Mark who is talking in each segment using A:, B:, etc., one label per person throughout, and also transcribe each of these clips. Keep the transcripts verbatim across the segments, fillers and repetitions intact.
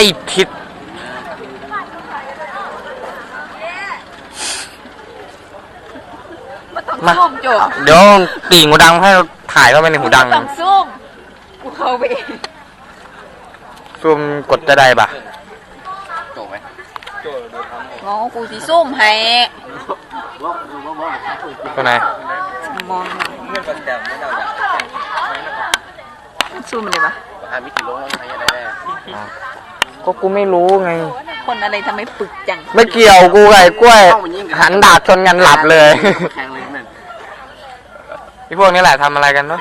A: ทิศมาเดี๋ยวปีหูดังให้ถ่ายเข้าไปในหูดัง
B: ต้องซูมกูเข้าไปเอง
A: ซูมกดจะได้ปะ
C: โจไหม
B: งอกูสิซูมให้
A: ตัวไหน
B: มองซูมเลยปะ
C: หามิติโลกใช้ยังไงแน่
A: ก็กูไม่รู้ไง
B: คนอะไรทำไมปึกจัง
A: ไม่เกี่ยวกูไงกล้วยหันดาบชนกันหลับเลยที่พวกนี้แหละทำอะไรกันเนาะ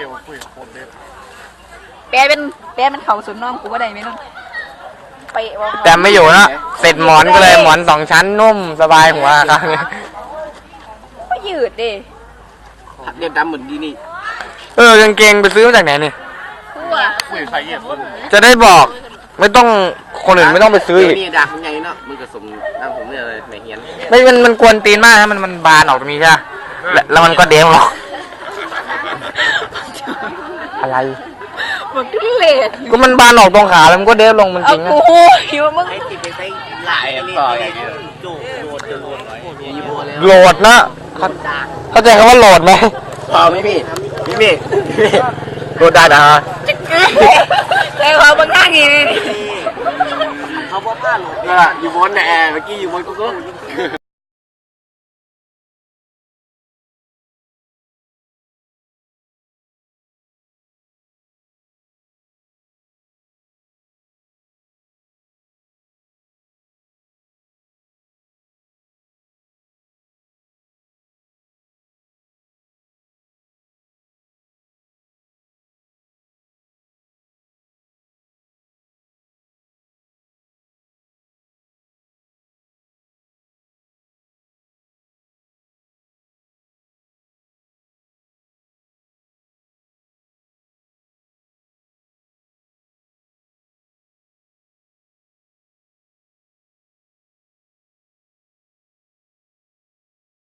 B: แปลเป็นแปลเป็นเขาสุนน้องกูว่าได้ไหมน้องไป
A: แต่ไม่อยู่นะเสร็จหมอนก็เลยหมอนสองชั้นนุ่มสบายหัวครับ
B: ก็ยืดดิ
C: เรียบดำเหมือนดีนี่
A: เออกางเกงไปซื้อมาจากไหนนี่
C: คุยใส่เย็บ
A: จะได้บอกไม่ต้องคนอื่นไม่ต้องไปซื้ออีก
C: นี่ดักไงเนาะมึงกระสมน้ำผมเนี่ยอะไรไม่เห็น
A: ไม่มันมันกวนตีนมากนะมันมันบานออกตรงนี้ใช่ไหมแล้วมันก็เด้งหรอกอะไร
B: มันก็เละ
A: ก็มันบานออกตรงขาแล้วมันก็เด้งลงมันจริงนะ
B: โอ้โหหิวมึง
C: หลายต่ออย่างนี้
A: โหลดนะเข้าใจคำว่าโหลดไหม
C: พอไม่พี่พี่พี่
A: โหลดได้นะฮะ
B: แต่เขาบางท่างี้
C: เขาบอกผ้าโหลดอยู่บนแอร์เมื่อกี้อยู่บนกูก็